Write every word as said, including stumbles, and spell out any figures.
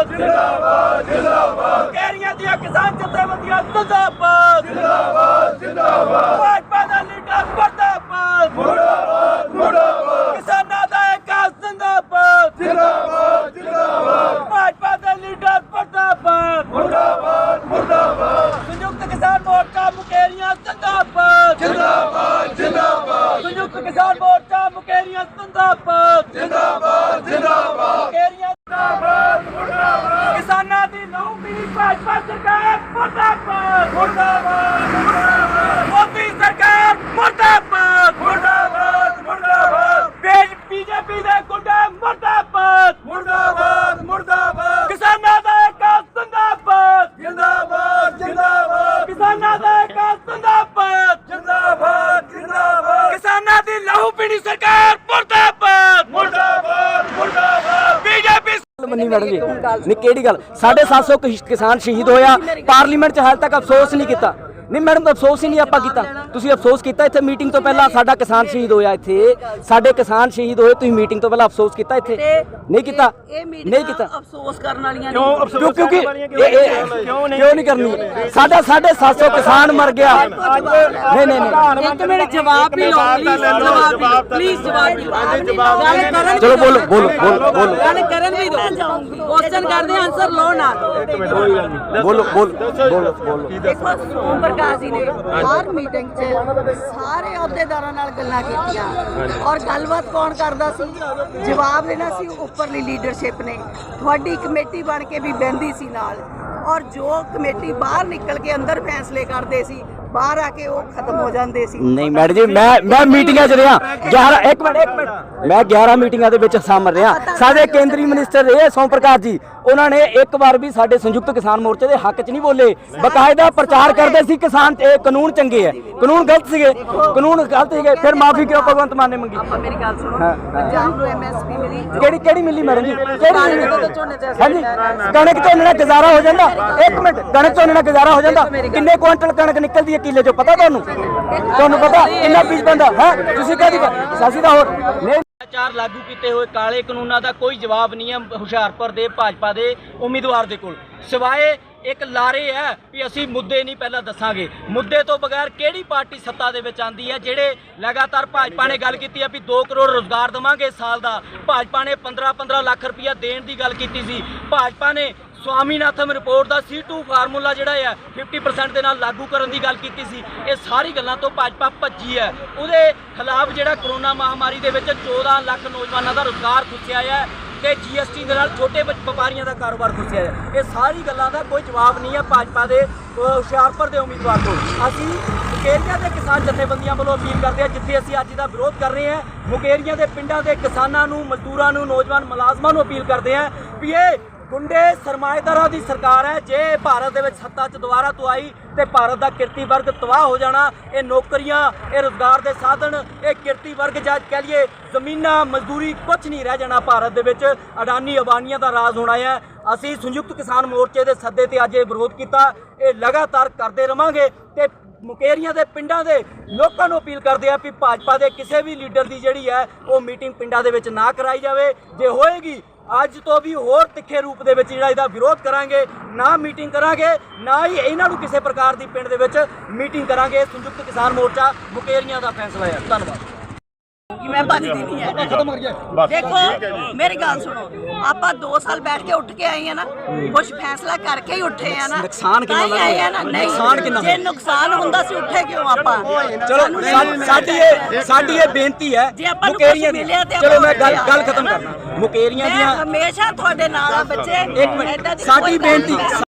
जिंदाबाद जिंदाबाद मुकेरियां दियां किसान जथेबंदियां जिंदाबाद जिंदाबाद जिंदाबाद भाजपा दा लीडर मुर्दाबाद मुर्दाबाद मुर्दाबाद किसानां दा इकास जिंदाबाद जिंदाबाद जिंदाबाद भाजपा दा लीडर मुर्दाबाद मुर्दाबाद मुर्दाबाद संयुक्त किसान मोर्चा मुकेरियां जिंदाबाद जिंदाबाद जिंदाबाद संयुक्त किसान मोर्चा मुकेरियां जिंदाबाद जिंदाबाद जिंदाबाद मुकेरियां जिंदाबाद मुर्दाबाद किसानां दी लहू पीनी भाजपा सरकार मुर्दाबाद मुर्दाबाद मुर्दाबाद मोदी सरकार मुर्दाबाद मुर्दाबाद मुर्दाबाद बीजेपी दे गुंडे मुर्दाबाद मुर्दाबाद मुर्दाबाद किसानां दा इकास जिंदाबाद जिंदाबाद जिंदाबाद किसानां दा इकास जिंदाबाद जिंदाबाद जिंदाबाद किसानां दी लहू पीनी सरकार मुर्दाबाद मुर्दाबाद मुर्दाबाद बीजेपी मनी मैडम जी नहीं केड़ी गल साढ़े सात सौ किसान शहीद होया पार्लीमेंट च हाल तक अफसोस नहीं किया नहीं मैडम अफसोस ही नहीं आपा कीता तुसीं अफसोस कीता इत्थे मीटिंग तो पहला साडा किसान शहीद होया इत्थे साडे किसान शहीद होए तुसीं मीटिंग तो पहला अफसोस कीता इत्थे नहीं कीता नहीं कीता अफसोस करन वालियां क्यों क्योंकि क्यों नहीं करनी साडा साढ़े सात सौ किसान मर गया नहीं नहीं नहीं एक मिनट जवाब भी लो प्लीज जवाब जवाब चलो बोलो बोलो बोलो बोलो गल करन भी दो क्वेश्चन करदे आंसर लो ना बोलो बोलो बोलो बोलो देखो सोम प्रकाश जी ने हर मीटिंग च सारे अहुदेदारां नाल गल्लां कीतियां और गलबात कौन करदा सी जवाब देना सी उपरली लीडरशिप ने तुहाडी कमेटी बन के भी बहंदी सी नाल और जो कमेटी बाहर निकल के अंदर फैसले करदे सी बाहर आके वो खत्म हो जाते सी नहीं मैडम जी मैं मैं मीटिंगां च रहा ग्यारह एक मिनट एक मिनट मैं ग्यारह मीटिंगां दे विच शामिल रहा साडे केंद्रीय मिनिस्टर रहे सोम प्रकाश जी उन्होंने एक बार भी साडे संयुक्त किसान मोर्चे के हक च नहीं बोले बकायदा प्रचार करते सी किसान ए कानून चंगे है कानून गलत सीगे कानून गलत सीगे फिर माफी क्यों भगवंत मान ने मंगी मेरी गल सुनो पंजाब नु एमएसपी मिली केड़ी केड़ी मिली मैडम जी केड़ी मिली हां जी कणक झोने नाल गुजारा हो जांदा एक मिनट कणक झोने नाल गुजारा हो जांदा किन्ने क्विंटल कणक निकलदी है किले चो पता तुहानू तुहानू पता किन्ना बीज पैंदा है तुसीं कहदी सासी दा होर नहीं चार लागू किए हुए काले कानूनों का कोई जवाब नहीं है हुशियारपुर के भाजपा के उम्मीदवार के कोल सिवाए एक लारे है भी असी मुद्दे नहीं पहला दसांगे मुद्दे तो बगैर केड़ी पार्टी सत्ता दे विच आंदी है जेड़े लगातार भाजपा ने गल कीती है भी दो करोड़ रोजगार देवांगे साल दा भाजपा ने पंद्रह पंद्रह लाख रुपया देण दी गल कीती सी भाजपा ने स्वामीनाथन रिपोर्ट का सी टू फार्मूला जोड़ा है फिफ्टी परसेंट के लागू करने की गल की सी ये सारी गल्लां तो भाजपा भज्जी है उहदे खिलाफ जोड़ा करोना महामारी के चौदह लाख नौजवानों का रोजगार खुसिया है तो जी एस टी के नाल छोटे व्यापारियों का कारोबार खुसिया है ये सारी गल्लां का कोई जवाब नहीं है भाजपा के हुशियारपुर के उम्मीदवार को असी मुकेरियां के किसान जथेबंदियां वालों अपील करते हैं जिथे असी अज दा विरोध कर रहे हैं मुकेरियां के पिंडां के किसानों नूं मजदूरां नूं नौजवान मुलाजमां नूं अपील करते हैं भी ये गुंडे सरमाएदारां दी सरकार है जे भारत दे विच सत्ता च दोबारा तो आई तो भारत का किरती वर्ग तबाह हो जाना ये नौकरियां ये रोजगार के साधन ये किरती वर्ग जा कह लीए जमीनां मजदूरी कुछ नहीं रह जाना भारत दे विच अडानी अबानियां दा राज होना है असी संयुक्त किसान मोर्चे के सद्दे ते अज विरोध किया ये लगातार करते रहांगे ते मुकेरियां दे पिंडां दे लोकां नूं अपील करते हैं कि भाजपा के किसी भी लीडर की जिहड़ी है वो मीटिंग पिंडां दे विच ना कराई जाए जे होएगी अज तो भी होर तिखे रूप दे विच जिहड़ा इहदा विरोध करांगे ना मीटिंग करांगे ना ही इन्हां नूं किसी प्रकार की पिंड दे विच मीटिंग करांगे संयुक्त किसान मोर्चा मुकेरियां दा फैसला है धन्नवाद मैं बचती नहीं है देखो मेरी गल सुनो आप दो साल बैठ के उठ के आए हैं ना कुछ फैसला करके ही उठे हैं ना नुकसान कितना आए हैं ना नहीं नुकसान कितना जे नुकसान हुंदा सी उठे क्यों आप चलो साडी ये साडी ये बेनती है मुकेरियां दी चलो मैं गल गल खत्म करना मुकेरियां दी हमेशा तुहाडे नाल आ बच्चे एक मिनट साडी बेनती